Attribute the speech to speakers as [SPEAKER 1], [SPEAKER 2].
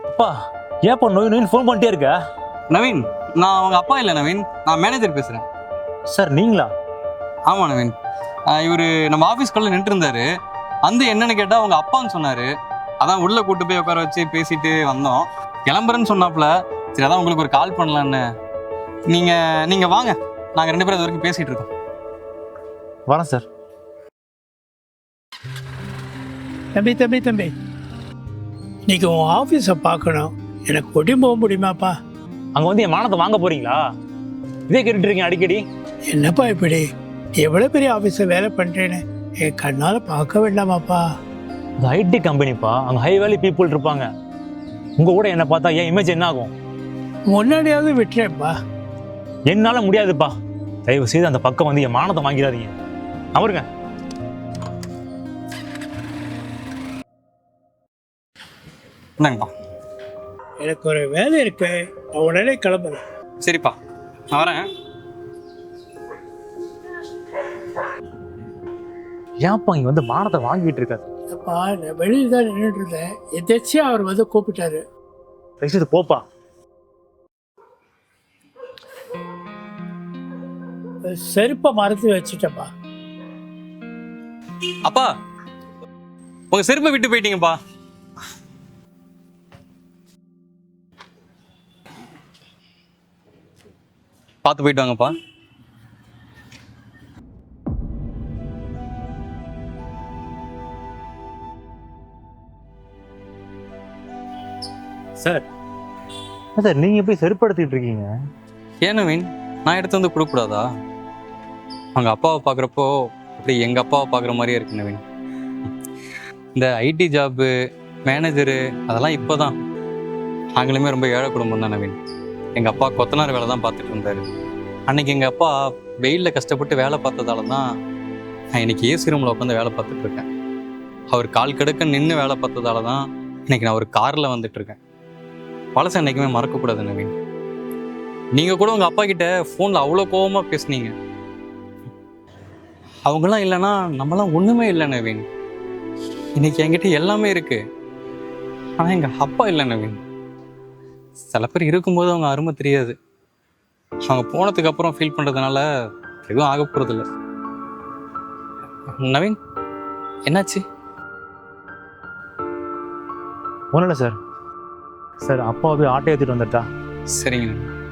[SPEAKER 1] அப்பா ஏப்பா நோய் நோயின்னு ஃபோன் பண்ணிட்டே இருக்க?
[SPEAKER 2] நவீன், நான் அவங்க அப்பா இல்லை நவீன், நான் மேனேஜர் பேசுகிறேன்.
[SPEAKER 1] சார் நீங்களா?
[SPEAKER 2] ஆமாம் நவீன், இவர் நம்ம ஆஃபீஸ்க்குள்ளே நின்று இருந்தாரு. வந்து என்னன்னு கேட்டால் அவங்க அப்பான்னு சொன்னார். அதான் உள்ளே கூட்டு போய் உட்கார வச்சு பேசிட்டு வந்தோம். கிளம்புறேன்னு சொன்னாப்புல. சரி, அதான் உங்களுக்கு ஒரு கால் பண்ணலான்னு. நீங்கள் வாங்க, நாங்கள் 2 பேரும் அது வரைக்கும் பேசிகிட்டு இருக்கோம்.
[SPEAKER 1] வரேன் சார்.
[SPEAKER 3] தம்பி இன்னைக்கு உன் ஆஃபீஸை பார்க்கணும். எனக்கு கொட்டி போக முடியுமாப்பா?
[SPEAKER 1] அங்கே வந்து என் மானத்தை வாங்க போறீங்களா? இதே கேட்டுட்டு இருக்கீங்க அடிக்கடி.
[SPEAKER 3] என்னப்பா இப்படி எவ்வளோ பெரிய ஆஃபீஸை வேலை பண்ணுறேன்னு என் கண்ணால் பார்க்க வேண்டாமாப்பா?
[SPEAKER 1] அது ஐடி கம்பெனிப்பா, அங்கே ஹை வேல்யூ பீப்புள் இருப்பாங்க. உங்கள் கூட என்னை பார்த்தா என் இமேஜ் என்ன ஆகும்?
[SPEAKER 3] முன்னாடியாவது விட்டுறேன்ப்பா.
[SPEAKER 1] என்னால் முடியாதுப்பா. தயவு செய்து அந்த பக்கம் வந்து என் மானத்தை வாங்கிடாதீங்க. அவருங்க
[SPEAKER 2] என்னங்கப்பா?
[SPEAKER 3] எனக்கு ஒரு வேலை இருக்கு, நான் உடனே கிளம்புறேன்.
[SPEAKER 2] சரிப்பா, நான் வரேன்.
[SPEAKER 1] ஏன்ப்பா இங்கே வந்து மானத்தை வாங்கிட்டு இருக்காரு?
[SPEAKER 3] அப்பா நான் வெளியில் தான் நின்றுட்டு இருந்தேன். எதாச்சியாக அவர் வந்து கூப்பிட்டாரு.
[SPEAKER 1] தயவு செய்து போப்பா.
[SPEAKER 3] செருப்பை மறந்து வச்சுட்டப்பா.
[SPEAKER 2] அப்பா, உங்கள் செருப்பை விட்டு போயிட்டீங்கப்பா. பார்த்து போயிட்டு வாங்கப்பா.
[SPEAKER 1] சார் சார் நீங்கள் எப்படி செருப்படுத்திட்டு இருக்கீங்க?
[SPEAKER 2] ஏன் நவீன், நான் எடுத்து வந்து கொடுக்கக்கூடாதா? அவங்க அப்பாவை பார்க்குறப்போ அப்படி எங்கள் அப்பாவை பார்க்குற மாதிரியே இருக்கு நவீன். இந்த ஐடி ஜாப்பு, மேனேஜரு அதெல்லாம் இப்போ தான். நாங்களுமே ரொம்ப ஏழை குடும்பம் தான் நவீன். எங்கள் அப்பா கொத்தனார் வேலை தான் பார்த்துட்டு இருந்தார். அன்றைக்கி எங்கள் அப்பா வெயிலில் கஷ்டப்பட்டு வேலை பார்த்ததால தான் நான் இன்றைக்கி ஏசி ரூமில் உட்காந்து வேலை பார்த்துட்ருக்கேன். அவர் கால் கடுக்க நின்று வேலை பார்த்ததால தான் இன்றைக்கி நான் ஒரு காரில் வந்துட்டுருக்கேன். பழசை என்றைக்குமே மறக்கக்கூடாது நவீன். நீங்கள் கூட உங்கள் அப்பா கிட்ட ஃபோனில் அவ்வளோ கோபமாக பேசுனீங்க. அவங்களாம் இல்லைன்னா நம்மளாம் ஒன்றுமே இல்லை நவீன். இன்றைக்கி என்கிட்ட எல்லாமே இருக்குது. ஆனால் எங்கள் அப்பா இல்லை நவீன். சில பேர் இருக்கும்போது அவங்க அருமை தெரியாது. அவங்க போனதுக்கு அப்புறம் ஃபீல் பண்ணுறதுனால எதுவும் ஆக போகிறதில்ல. நவீன், என்னாச்சு?
[SPEAKER 1] ஒன்றும் இல்லை சார். சார் அப்பாவை போய் ஆட்டோ ஏற்றிட்டு வந்துட்டா.
[SPEAKER 2] சரிங்க.